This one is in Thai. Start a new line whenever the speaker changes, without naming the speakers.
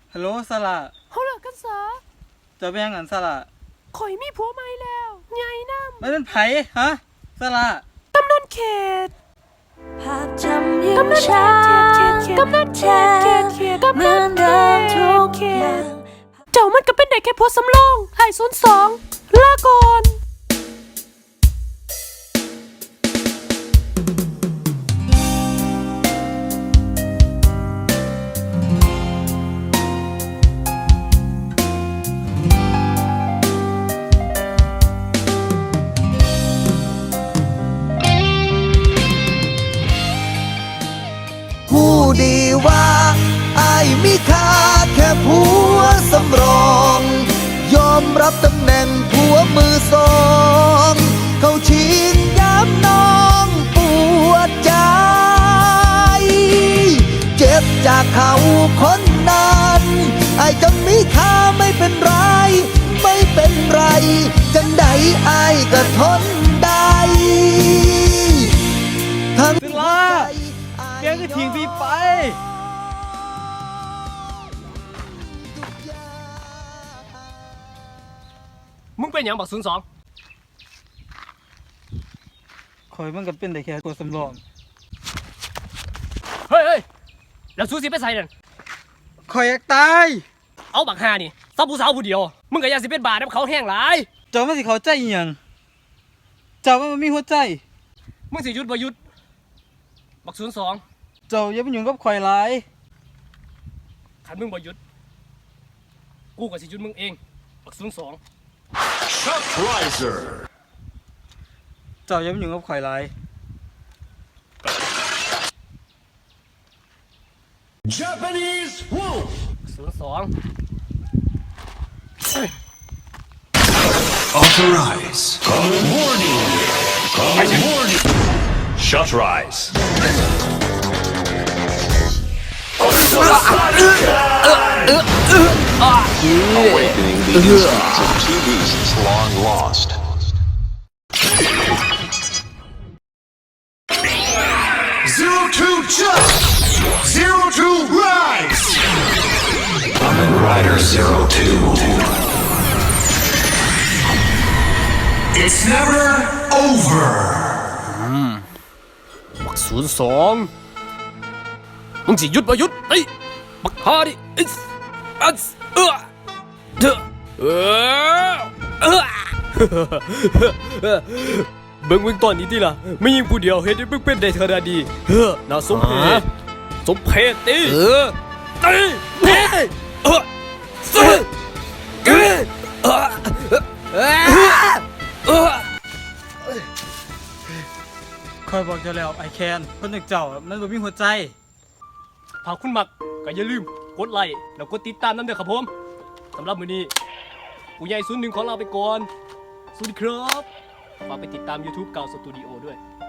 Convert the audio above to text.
ฮัลโหลสละ
เขาเลิกกันซะ
จะเป็นยังไงสละ
ข่อยมีผัวใหม่แล้วใหญ่น้ำ
ไม่เป็นไผฮะสละ
กำนันเขต
ภาพจำยังชัดกำนันเขตเหมือนเดิมทุกอย่าง
เจ้ามันก็เป็นได้แค่ผัวสำรองไอ้02ลาก่อน
ผู้ดีว่าอายมีค่าแค่ผัวสำรองยอมรับตำแหน่งผัวมือสองเขาชิงย้ำน้องปวดใจเจ็บจากเขาคนนั้นอายจะมีค่าไม่เป็นไรไม่เป็นไรจังใดอายก็ทนได้ทั้ง
สละแกก็ทิ้งพี่ไป
มึงเป็นอย่างบัก02
ข่อยมันก็เป็นได้แค่ตัวสำรอง
เฮ้ยแล้วซูสิไปใส่นั่น
ข่อยอยากตาย
เอาบัก5นี่ซับผู้สาวผู้เดียวมึงก็อยากสิเป็นบาดนำเขาแห้งหลาย
เจ้ามันสิเข้าใจอีหยังเจ้ามันบ่มีหัวใจ
มึงสิหยุดบ่หยุดบัก02
เจ้าอย่าไปยุ่งกับข่อยหลาย
คันมึงบ่หยุดกูก็สิหยุดมึงเองบัก02
Chuck Riser
เจ้าอย่าไปยุ่งกับข่อยหลาย
Japanese Wolf
02
Authorize Warning Warning Shut Rise Awakening the instincts of two beasts long lost. Zero to jump! Zero to rise! Kamen Rider 02. It's never over.
บัก02มึงสิหยุดบ่หยุดเอ้ยบักฮาดิเบิ่งตอนนี้ติล่ะไม่ยิงผู้เดียวเฮ็ดให้มึงเป็นได้ขนาดนี้น่าสมเพชติ
ข่อยบอกเจ้าแล้วไอแคนคนอย่างเจ้ามันบ่มีหัวใจ
หากคุณมักก็อย่าลืมกดไลค์แล้วกดติดตามนั่นเด้อครับผมสำหรับมื้อนี้ผู้ใหญ่01ของเราไปก่อนสวัสดีครับฝากไปติดตาม YouTube เก่าสตูดิโอด้วย